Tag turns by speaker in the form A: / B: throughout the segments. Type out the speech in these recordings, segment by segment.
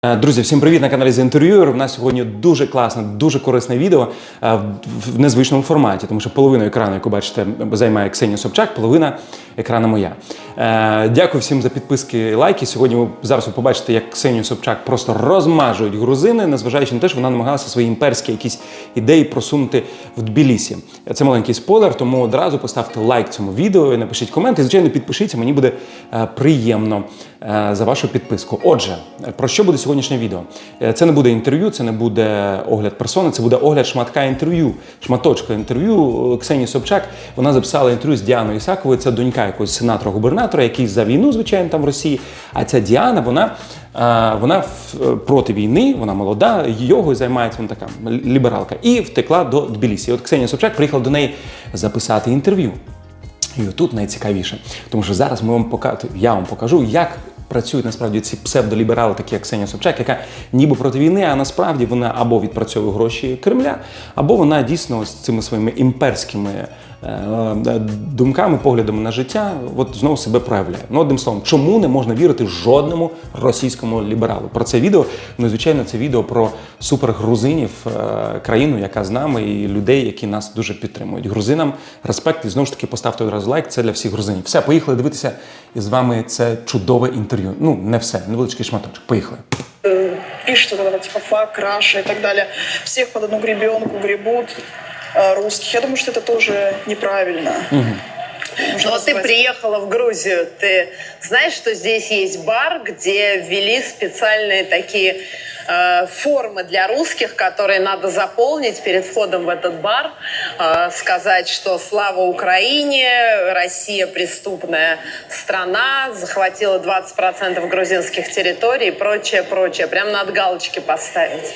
A: Друзі, всім привіт на каналі The Interviewer. У нас сьогодні дуже класне, дуже корисне відео в незвичному форматі, тому що половину екрану, яку бачите, займає Ксенія Собчак, половина екрану моя. Дякую всім за підписки і лайки. Сьогодні зараз ви побачите, як Ксенію Собчак просто розмажують грузини, незважаючи на те, що вона намагалася свої імперські якісь ідеї просунути в Тбілісі. Це маленький спойлер, тому одразу поставте лайк цьому відео і напишіть комент. І, звичайно, підпишіться, мені буде приємно за вашу підписку. Отже, про що буде сьогоднішнє відео? Це не буде інтерв'ю, це не буде огляд персони, це буде огляд шматка інтерв'ю, шматочка інтерв'ю Ксенії Собчак. Вона записала інтерв'ю з Діаною Ісаковою, це донька якогось сенатора-губернатора, який за війну, звичайно, там в Росії. А ця Діана, вона проти війни, вона молода, йогою займається, вона така лібералка. І втекла до Тбілісі. От Ксенія Собчак приїхала до неї записати інтерв'ю. І отут найцікавіше, тому що зараз я вам покажу, як працюють насправді ці псевдоліберали, такі як Ксенія Собчак, яка ніби проти війни, а насправді вона або відпрацьовує гроші Кремля, або вона дійсно ось цими своїми імперськими думками, поглядами на життя, от знову себе проявляє. Ну, одним словом, чому не можна вірити жодному російському лібералу? Про це відео, ну, звичайно, це відео про супергрузинів, країну, яка з нами, і людей, які нас дуже підтримують. Грузинам респект, і знову ж таки поставте одразу лайк, це для всіх грузинів. Все, поїхали дивитися, і з вами це чудове інтерв'ю. Ну, не все, невеличкий шматочок. Поїхали.
B: Пишут вот это типа фак, Раша и так далее. Всех под одну гребенку гребут русских. Я думаю, что это тоже неправильно.
C: Но ты приехала в Грузию, ты знаешь, что здесь есть бар, где ввели специальные такие формы для русских, которые надо заполнить перед входом в этот бар, сказать, что слава Украине, Россия преступная страна, захватила 20% грузинских территорий и прочее, прочее. Прям надо галочки поставить.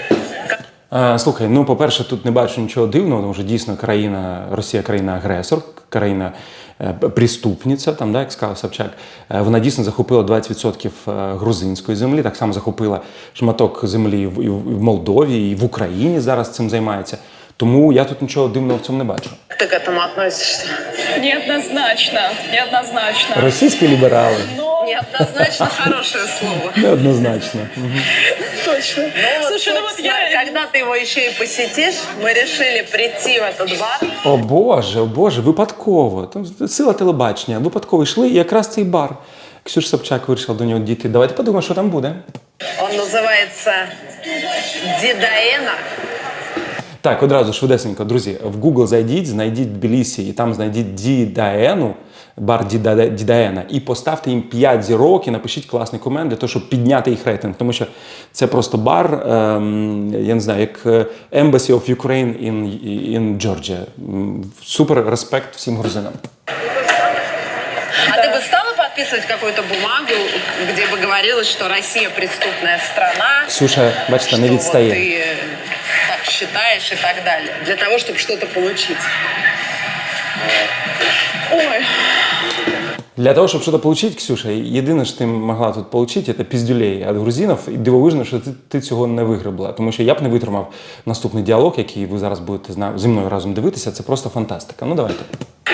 A: Слухай, ну, по-перше, тут не бачу нічого дивного, тому що дійсно Росія країна-агресор, країна-преступниця, там, да, як сказав Собчак. Вона дійсно захопила 20% грузинської землі, так само захопила шматок землі і в Молдові, і в Україні зараз цим займається. Тому я тут нічого дивного в цьому не бачу.
C: Как ты к этому относишься?
B: Неоднозначно. Неоднозначно.
A: Російські ліберали?
C: Неоднозначно хорошее слово.
A: Неоднозначно.
B: Точно.
C: Ну,
B: Слушай, ну вот
C: когда ты его еще и посетишь, мы решили прийти в этот бар.
A: О Боже, випадково. Там сила телебачення. Випадково йшли, і якраз цей бар. Ксюша Собчак вирішила до нього дійти. Давайте подумаємо, що там буде.
C: Он называется Дидаена.
A: Так, одразу швидесенько, друзі, в Google зайдіть, знайдіть Тбілісі і там знайдіть Дідаену, бар Дідаена, і поставте їм 5 зірок і напишіть класний комент для того, щоб підняти їх рейтинг. Тому що це просто бар, я не знаю, як Embassy of Ukraine in Georgia. Супер респект всім грузинам.
C: А ты бы стала подписывать какую-то бумагу, где бы говорилось, что Россия преступная страна?
A: Ксюша, бачите, не
C: что
A: відстає.
C: вот ты так считаешь и так далее, для того, чтобы что-то получить.
B: Ой.
A: Для того, щоб щось отримати, Ксюша, єдине, що ти могла тут отримати, це піздюлей від грузинів. І дивовижно, що ти цього не вигребла. Тому що я б не витримав наступний діалог, який ви зараз будете зі мною разом дивитися. Це просто фантастика. Ну, давайте.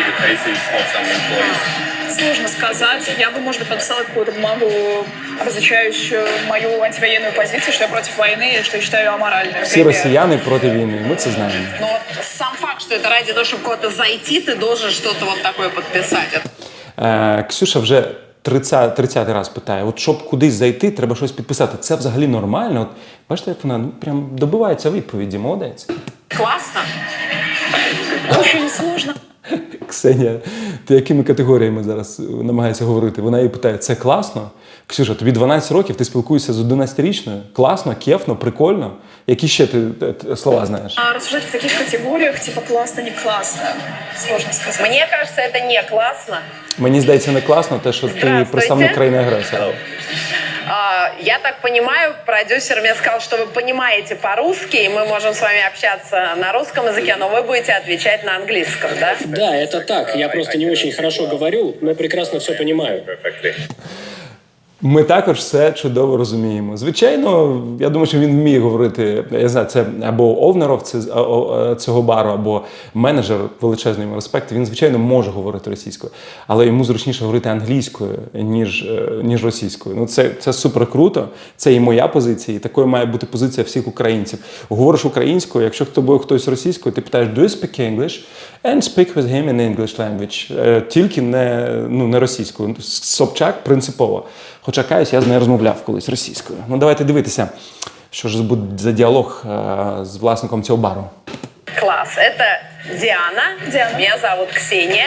B: Сложно сказать. Я бы, может быть, подписала какую-то бумагу, обозначающую мою антивоенную позицию, что я против войны и что я считаю ее аморальной.
A: Всі росіяни проти війни, ми це знаємо.
C: Но вот сам факт, что это ради того, чтобы куда-то зайти, ты должен что-то вот такое подписать.
A: Ксюша вже 30-й раз питає, от щоб кудись зайти, треба щось підписати. Це взагалі нормально? От, бачите, як вона прям добивається відповіді, молодець.
C: Классно.
B: Очень сложно.
A: Ксенія, ти якими категоріями зараз намагаєшся говорити? Вона її питає, це класно? Ксюша, тобі 12 років, ти спілкуєшся з 11-річною? Класно, кефно, прикольно? Які ще ти слова знаєш?
B: А рассуждать в таких категориях, типа классно, не классно, сложно сказать.
C: Мне кажется, это не классно.
A: Мені здається, не класно те, що ти представник країни-агресора.
C: Я так понимаю, продюсер мне сказал, что вы понимаете по-русски, и мы можем с вами общаться на русском языке, но вы будете отвечать на английском, да?
D: Да, это так. Я просто не очень хорошо говорю, но прекрасно все понимаю.
A: Ми також все чудово розуміємо. Звичайно, я думаю, що він вміє говорити, я знаю, це або овнеров цього бару, або менеджер, величезний йому респект, він, звичайно, може говорити російською, але йому зручніше говорити англійською, ніж російською. Ну, це супер круто, це і моя позиція, і такою має бути позиція всіх українців. Говориш українською, якщо з тобою хтось російською, ти питаєш, do you speak English? And speak with him in English language. Тільки не російською. Собчак принципово. Хоча, каюсь, я з нею розмовляв колись російською. Ну, давайте дивитися, що ж буде за діалог з власником цього бару.
C: Класс. Это Диана. Меня зовут Ксения.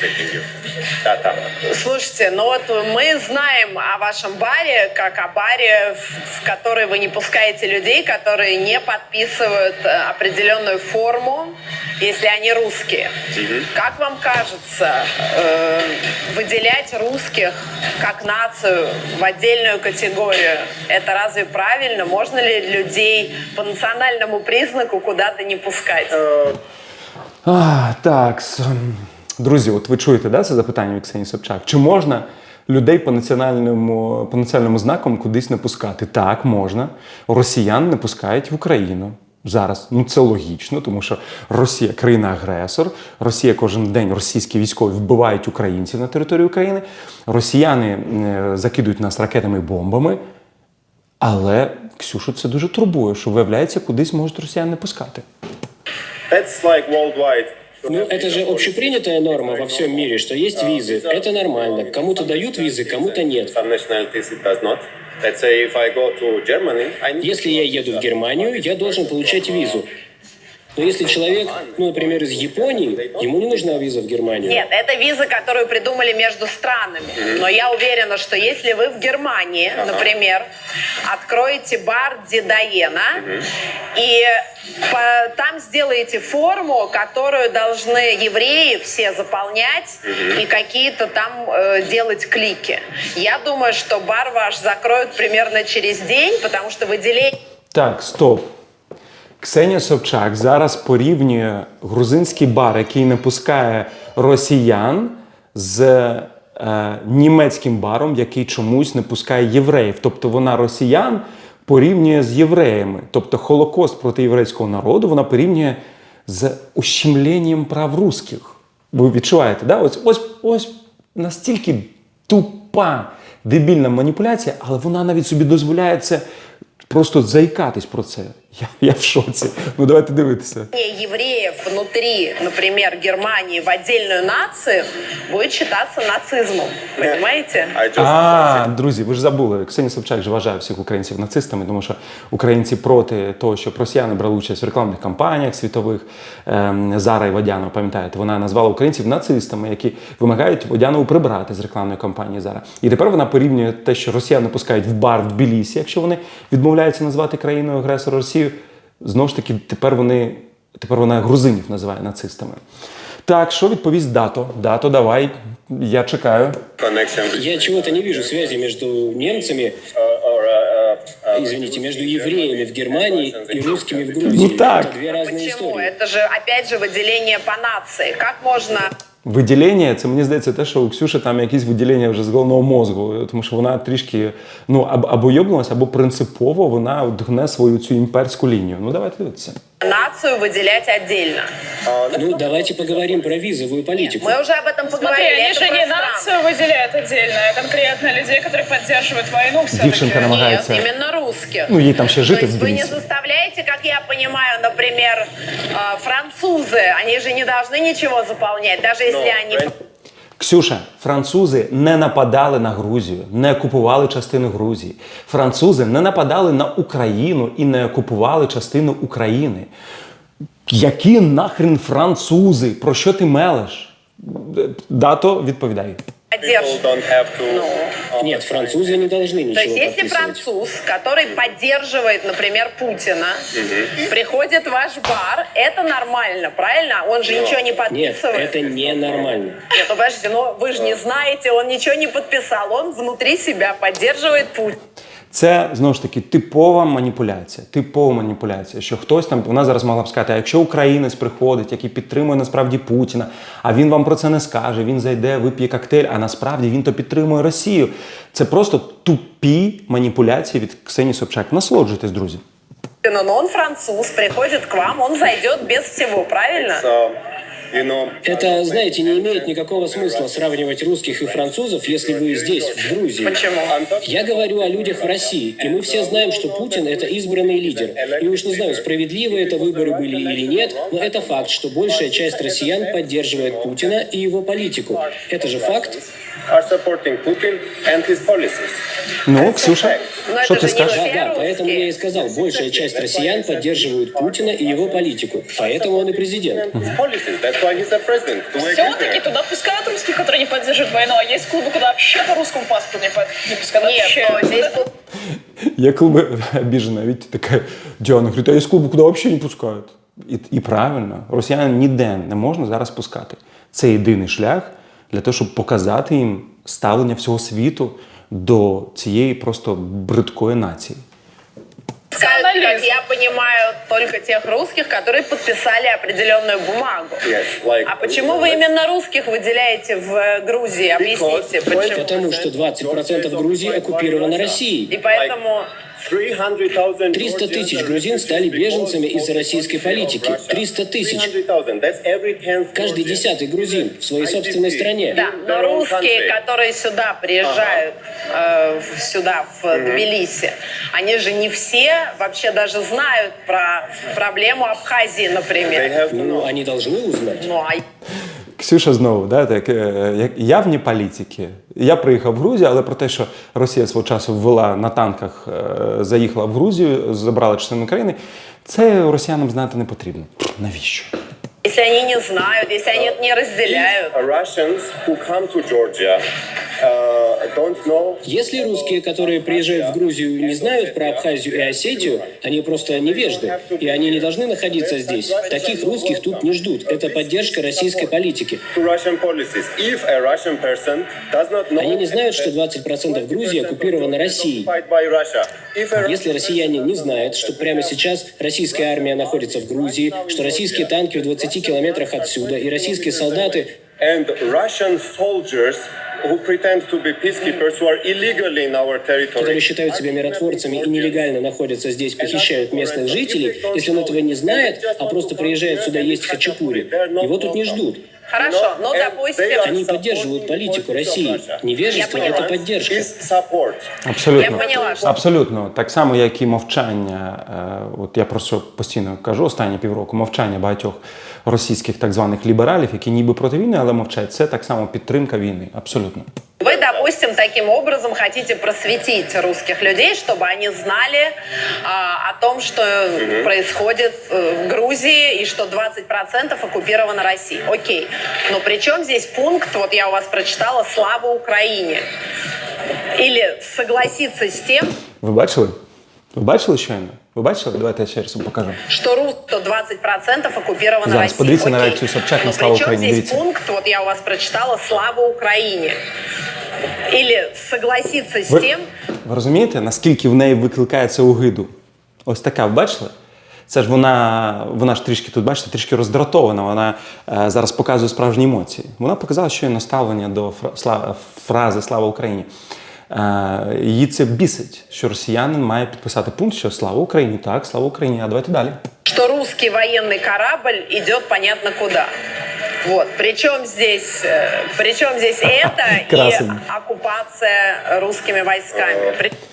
C: Слушайте, ну вот мы знаем о вашем баре, как о баре, в который вы не пускаете людей, которые не подписывают определенную форму, если они русские. Как вам кажется, выделять русских как нацию в отдельную категорию, это разве правильно? Можно ли людей по национальному признаку куда-то не пускать?
A: Так, друзі, от ви чуєте, да, це запитання від Ксенії Собчак? Чи можна людей по національному знакам кудись не пускати? Так, можна. Росіян не пускають в Україну. Зараз. Ну, це логічно, тому що Росія – країна-агресор, Росія кожен день, російські військові вбивають українців на території України, росіяни закидують нас ракетами і бомбами, але Ксюшу це дуже турбує, що, виявляється, кудись можуть росіян не пускати.
D: That's like worldwide.
E: Ну, это же общепринятая норма во всем мире, что есть визы. Это нормально. Кому-то дают визы, кому-то нет.
D: Some nationalities it does not. Let's say if I go to Germany, I need
E: Если я еду в Германию, я должен получать визу. Но если человек, ну, например, из Японии, ему не нужна виза в Германию.
C: Нет, это виза, которую придумали между странами. Но я уверена, что если вы в Германии, например, откроете бар Дедоена и там сделаете форму, которую должны евреи все заполнять и какие-то там делать клики. Я думаю, что бар ваш закроют примерно через день, потому что выделение...
A: Так, стоп. Ксенія Собчак зараз порівнює грузинський бар, який не пускає росіян, з німецьким баром, який чомусь не пускає євреїв. Тобто вона росіян порівнює з євреями. Тобто Холокост проти єврейського народу вона порівнює з ущемленням прав русських. Ви відчуваєте, да? Ось настільки тупа, дебільна маніпуляція, але вона навіть собі дозволяє це просто заикатись про це. Я в шоці. Ну, давайте дивитися.
C: Евреев внутри, например, Германии в отдельную нацию будет считаться нацизмом. Понимаете?
A: Друзі, ви ж забули. Ксенія Собчак же вважає всіх українців нацистами, тому що українці проти того, щоб росіяни брали участь в рекламних кампаніях світових. Зара і Водянова, пам'ятаєте, вона назвала українців нацистами, які вимагають Водянову прибрати з рекламної кампанії Зара. І тепер вона порівнює те, що росіяни пускають в бар в Тбілісі, якщо вони відмовляються назвати країною агресора Росію. Знову ж таки, тепер вона грузинів називає нацистами. Так, що відповість Дато? Дато, давай, я чекаю.
D: connection.
E: Я чего-то не вижу связи между немцами, извините, между евреями в Германии и русскими в Грузии.
A: Ну так.
E: Это две разные
C: Почему?
E: истории.
C: Это же, опять же, выделение по нации. Как можно...
A: Виділення, це, мені здається, те, що у Ксюші там якісь виділення вже з головного мозку, тому що вона трішки, або йобнулася, або принципово вона гне свою цю імперську лінію. Ну, давайте дивитися.
C: Нацию выделять отдельно.
E: Ну, давайте поговорим про визовую политику.
C: Мы уже об этом
F: Смотри,
C: поговорили.
F: они
C: Это
F: же
C: про
F: не
C: страны.
F: нацию выделяют отдельно, а конкретно людей, которые поддерживают войну все-таки.
A: Дівчинка намагається.
C: Нет, именно русских.
A: Ну, їй там ще
C: То
A: жити в
C: есть вы не
A: Тбілісі.
C: заставляете, как я понимаю, например, французы, они же не должны ничего заполнять, даже если они...
A: Ксюша, французи не нападали на Грузію, не окупували частину Грузії. Французи не нападали на Україну і не окупували частину України. Які нахрен французи? Про що ти мелеш? Дато, відповідай.
D: People
C: поддерживают.
D: don't have to.
E: Нет, французы не должны ничего
C: То есть, если
E: подписывать.
C: француз, который поддерживает, например, Путина, приходит в ваш бар, это нормально, правильно? Он же ничего не
E: Нет,
C: подписывает.
E: это ненормально.
C: Нет, ну подождите, ну вы же не знаете, он ничего не подписал, он внутри себя поддерживает Путина.
A: Це, знову ж таки, типова маніпуляція, що хтось там, вона зараз могла б сказати, а якщо українець приходить, який підтримує насправді Путіна, а він вам про це не скаже, він зайде, вип'є коктейль, а насправді він то підтримує Росію. Це просто тупі маніпуляції від Ксенії Собчак. Насолоджуйтесь, друзі.
C: Но он француз, приходит к вам, он зайдет без всего, правильно?
D: So, you know,
E: Это, знаете, не имеет никакого смысла сравнивать русских и французов, если вы здесь, в Грузии.
C: Почему?
E: Я говорю о людях в России, и мы все знаем, что Путин – это избранный лидер. И уж не знаю, справедливы это выборы были или нет, но это факт, что большая часть россиян поддерживает Путина и его политику. Это же факт.
D: are supporting Putin and his policies.
A: Ну, Ксюша,
C: Но
A: що
C: это
A: ти
C: же не
A: скажеш?
C: все
E: Да, поэтому
C: русские.
E: я и сказал, большая часть россиян поддерживают Путина и его политику. Поэтому он и президент.
D: His policies, that's why he's a president. Do we agree
F: Все-таки
D: there?
F: туда пускают русских, которые не поддерживают войну, а есть клубы, куда вообще по русскому паспорту не пускают.
C: Нет,
F: Вообще.
C: но здесь
A: Я клубы обижена, видите, такая Диана говорит, а є клуби, куди взагалі не пускають. І правильно, росіян ніде не можна зараз пускати. Це єдиний шлях для того, щоб показати їм ставлення всього світу до цієї просто бридкої нації.
C: пускают, как я понимаю, только тех русских, которые подписали определенную бумагу.
D: Yes, like,
C: А почему вы именно русских выделяете в Грузии? Объясните, почему?
E: Потому что 20% Грузии оккупировано Россией.
C: И поэтому
D: 300,000
E: 300 тысяч грузин стали беженцами из-за российской политики. 300 тысяч.
D: 300,000. That's every 10th
E: Каждый
D: Georgian.
E: 10-й грузин в своей собственной стране.
C: да, но
D: Their own
C: русские,
D: country.
C: которые сюда приезжают, сюда, в Тбилиси, они же не все вообще даже знают про проблему Абхазии,
D: They
C: например.
D: have to
E: Ну,
D: know.
E: они должны узнать.
C: Ну, а
A: Ксюша знову, да, так, як явні політики. Я приїхав в Грузію, але про те, що Росія свого часу ввела на танках, заїхала в Грузію, забрала частину країни, це росіянам знати не потрібно. Навіщо?
C: если они не знают, если они это не разделяют.
D: If Russians who come to Georgia don't know.
E: Если русские, которые приезжают в Грузию, не знают про Абхазию и Осетию, они просто невежды, и они не должны находиться здесь. Таких русских тут не ждут. Это поддержка российской политики.
D: To Russian policies. If a Russian person does not know.
E: Они не знают, что 20% Грузии оккупировано Россией.
D: Occupied by Russia. If a
E: Если россияне не знают, что прямо сейчас российская армия находится в Грузии, что российские танки в 20 километрах отсюда, и российские солдаты
D: and Russian soldiers who pretend to be peacekeepers who are illegally in our
E: которые
D: territory.
E: считают себя миротворцами и нелегально находятся здесь, похищают местных жителей, если он этого не знает, а просто приезжает сюда есть хачапури, его тут не ждут.
C: Хорошо, ну, допустим,
E: Они поддерживают политику России. Невежество –
C: Я
E: это
C: поняла.
E: поддержка.
D: Is support.
A: Абсолютно.
C: Я поняла, що-
A: Абсолютно. Так само, як і мовчання, от я про що постійно кажу останні півроку, мовчання багатьох російських так званих лібералів, які ніби проти війни, але мовчать. Це так само підтримка війни. Абсолютно.
C: Вы, допустим, таким образом хотите просветить русских людей, чтобы они знали о том, что происходит в Грузии и что 20% оккупировано Россией. Окей. Но при чем здесь пункт, вот я у вас прочитала, «Слава Украине». Или согласиться с тем,
A: Ви бачили? Ви бачили щойно? Ви бачили? Давайте я ще раз вам покажу.
C: что 20% оккупировано
A: Зараз
C: Россией.
A: подивіться на
C: Окей.
A: реакцію Собчак на
C: Но
A: «Слава
C: при чем
A: Україні»,
C: здесь
A: дивіться.
C: пункт, вот я у вас прочитала, «Слава Украине». Или согласиться с
A: Ви,
C: тем,
A: ви розумієте, наскільки в неї викликає це огиду? Ось така, ви бачили? Це ж вона ж трішки тут, бачите, трішки роздратована. Вона зараз показує справжні емоції. Вона показала щойно ставлення до фрази «Слава Україні». Її це бісить, що росіянин має підписати пункт, що «Слава Україні», так, «Слава Україні», а давайте далі.
C: что русский военный корабль идет понятно куда. Вот. Причем здесь это и
A: Красиво.
C: оккупация русскими войсками.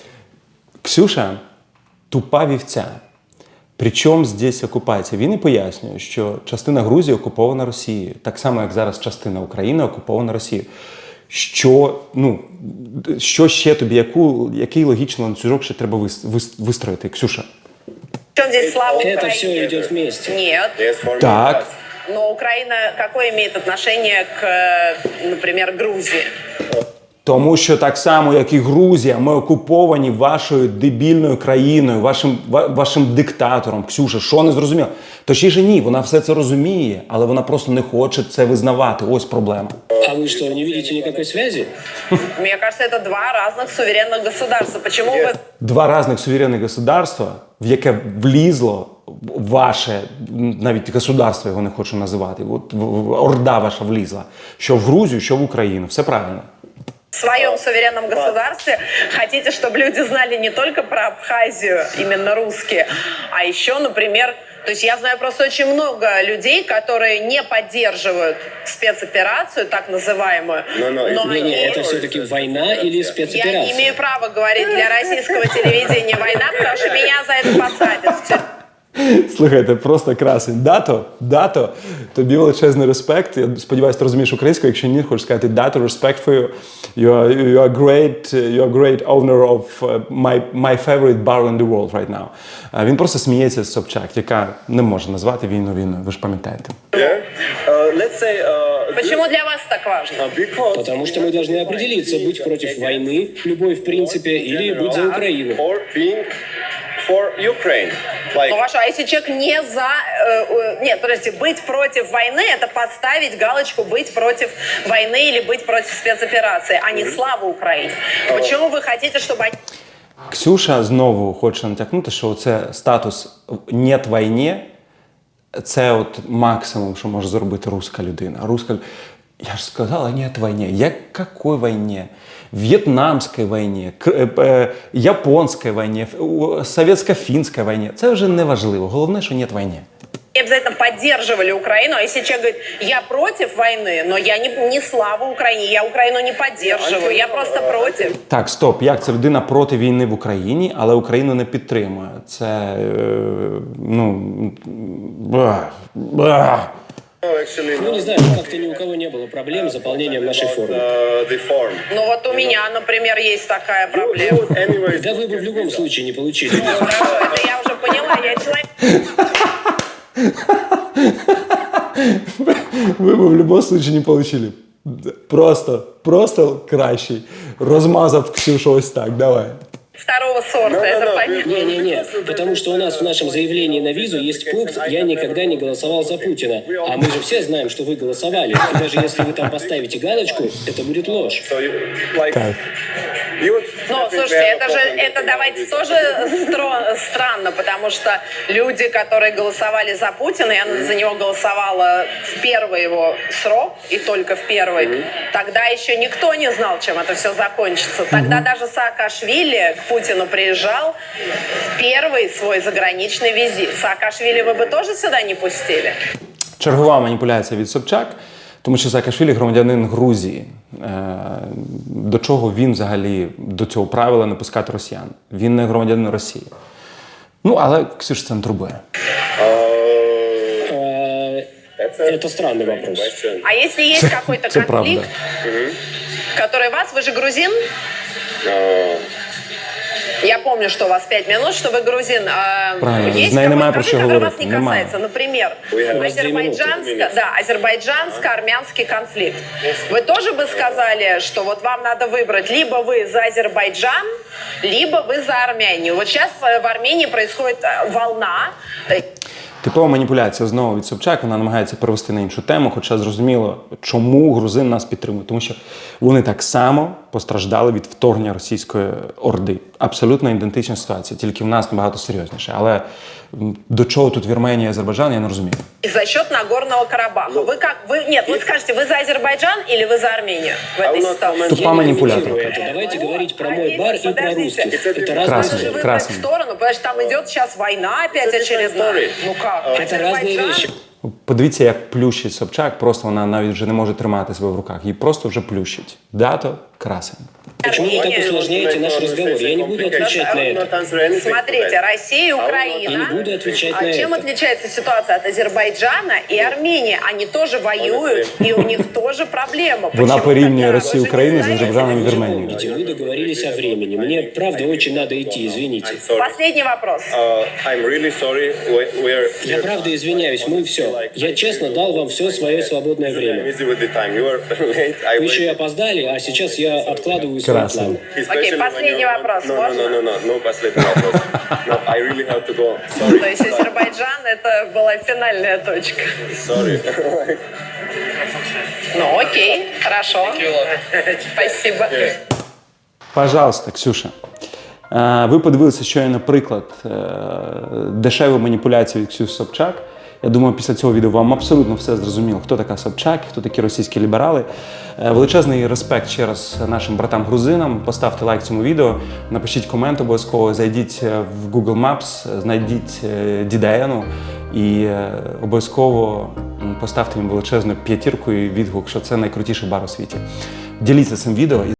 A: Ксюша тупа вівця. Причому здесь окупація? Він і пояснює, що частина Грузії окупована Росією, так само, як зараз частина України окупована Росією. Що ще тобі, який логічний ланцюжок ще треба вистроїти, Ксюша?
C: Причем здесь слава
E: Это
C: Украине?
E: все идет вместе.
C: Нет.
D: Yes, for me,
A: Так.
D: yes.
C: Но Украина какое имеет отношение к, например, Грузии?
A: Тому що так само, як і Грузія, ми окуповані вашою дебільною країною, вашим диктатором. Ксюша, що не зрозуміло? Точніше, ні, вона все це розуміє, але вона просто не хоче це визнавати. Ось проблема.
E: А вы что, не видите никакой связи?
C: Мне кажется, это два разных суверенных государства. Почему вы...
A: Два різних суверенних государства, в яке влізло ваше, навіть государство його не хочу називати, от орда ваша влізла, що в Грузію, що в Україну. Все правильно.
C: В своем суверенном государстве хотите, чтобы люди знали не только про Абхазию, именно русские, а еще, например, то есть я знаю просто очень много людей, которые не поддерживают спецоперацию, так называемую, но
E: Не,
C: они...
E: это все-таки война или
C: Я
E: спецоперация?
C: не имею права говорить для российского телевидения война, потому что меня за это посадят в тюрьму.
A: Слухайте, просто красень. Дато, тобі величезний респект. Я сподіваюся, ти розумієш українською. Якщо ні, хочу сказати дато, respect for you. You are great owner of my favorite bar in the world right now. Він просто сміється з Собчак, яка не може назвати війну війною. Ви ж пам'ятаєте.
D: Let's say,
C: Почему для вас так важно?
D: because
E: Потому что мы должны определиться, быть против войны, любой в принципе, или быть за Украину.
D: or being for Ukraine. Like,
C: Ну хорошо, а если человек не за... нет, подождите, быть против войны – это поставить галочку «быть против войны» или «быть против спецоперации», а не «слава Украине». Почему вы хотите, чтобы они...
A: Ксюша знову хоче натякнути, що це статус «нет війні» – це от максимум, що може зробити руська людина. Я ж сказала «нет війні». Якої війні? В'єтнамській війні, японській війні, совєтсько-фінській війні. Це вже не важливо. Головне, що «нет війні».
C: обязательно поддерживали Украину, а если человек говорит, я против войны, но я не слава Украине, я Украину не поддерживаю, я просто против.
A: Так, стоп. Як це людина проти війни в Україні, але Україну не підтримує? Це,
D: actually,
E: Ну, не знаю, как-то ни у кого не было проблем с заполнением нашей формы.
D: the form.
C: Ну вот у меня, например, есть такая
D: You
C: проблема.
D: would anyways
E: Да вы бы в любом случае не получили.
C: Хорошо, это я уже поняла, я человек...
A: Ви б в будь-якому випадку не отримали. Просто кращий. Розмазав Ксюшу ось так, давай.
C: Второго сорта, это понятно.
E: Не-не-не, потому что у нас в нашем заявлении на визу есть пункт «Я никогда не голосовал за Путина». А мы же все знаем, что вы голосовали. И даже если вы там поставите галочку, это будет ложь.
D: So you, like,
A: Так.
D: you would
C: Ну, слушайте, это давайте тоже странно, потому что люди, которые голосовали за Путина, я за него голосовала в первый его срок, и только в первый, тогда еще никто не знал, чем это все закончится. Тогда даже Саакашвили к Путину приезжал в первый свой заграничный визит. Саакашвили вы бы тоже сюда не пустили?
A: Чергова маніпуляція від Собчак, тому що Саакашвілі громадянин Грузії. До чого він взагалі до цього правила не пускати росіян? Він не громадянин Росії. Ну, але Ксюш це не турбує.
E: Это странный вопрос.
D: question.
C: А если есть какой-то
A: Це правда.
C: конфликт, который вас, вы же грузин? Я помню, что у вас 5 минут, что вы грузин.
A: Правильно,
C: Есть
A: з нею немає
C: какой-то
A: про що
C: конфликт, который вас
A: говорити.
C: не
A: Немає.
C: касается? Например,
E: У вас 2 минуты.
C: азербайджанско-армянский конфликт. Вы тоже бы сказали, что вот вам надо выбрать, либо вы за Азербайджан, либо вы за Армянию. Вот сейчас в Армении происходит волна.
A: Типова маніпуляція знову від Собчак, вона намагається перевести на іншу тему, хоча зрозуміло, чому грузин нас підтримує. Тому що вони так само постраждали від вторгнення російської орди. Абсолютно ідентична ситуація, тільки в нас набагато серйозніше. Але до чого тут Вірменія і Азербайджан, я не розумію.
C: И за счет Нагорного Карабаха. Вы как? Вы скажете, вы за Азербайджан или вы за Армению в этой ситуации?
A: Тупа
E: Я не
A: манипулятор.
E: комментирую это. Давайте говорить про мой бар и про русских. Это разные
A: Красный.
E: вещи.
C: Выбрать
A: Красный.
C: сторону, потому что там идет сейчас война опять очередная. Ну как?
E: Это разные
C: Азербайджан-
E: вещи.
A: Подивіться, як плющить Собчак, просто вона навіть вже не може тримати себе в руках. Її просто вже плющить. Дато красень.
E: Почему вы так
C: Армения.
E: усложняете наш разговор? Я не буду отвечать на это.
C: Смотрите, Россия и Украина.
E: Я не буду отвечать на
C: Чем
E: это.
C: отличается ситуация от Азербайджана и Армении? Они тоже воюют, и у них тоже проблемы.
A: Вона
C: Почему
A: порівнює
C: тогда?
A: Росію і
C: Вы же не
A: Україну з
C: знаете?
A: Азербайджаном і Вірменією.
E: Помните, вы договорились о времени. Мне, правда, очень надо идти, извините.
C: Последний вопрос.
D: I'm really sorry. We are.
E: Я правда извиняюсь, мы все. Я честно дал вам все свое свободное
D: I'm
E: время.
D: busy with the time. You are late. I
E: Вы еще и
D: wait.
E: опоздали, а сейчас я я откладываю свой
A: Красиво.
E: план.
C: Окей,
D: Especially when
C: последний
D: you're-
C: вопрос,
D: No,
C: можно?
D: no, последний вопрос. No, I really have to go. Sorry.
C: То есть Азербайджан это была финальная точка.
D: Sorry.
C: Ну окей, хорошо. Спасибо.
A: Пожалуйста, Ксюша. Ви подивилися щойно приклад дешевої маніпуляції від Ксюші Собчак. Я думаю, після цього відео вам абсолютно все зрозуміло, хто така Собчак, хто такі російські ліберали. Величезний респект ще раз нашим братам-грузинам. Поставте лайк цьому відео, напишіть комент обов'язково, зайдіть в Google Maps, знайдіть Дідаєну і обов'язково поставте їм величезну п'ятірку і відгук, що це найкрутіший бар у світі. Діліться цим відео і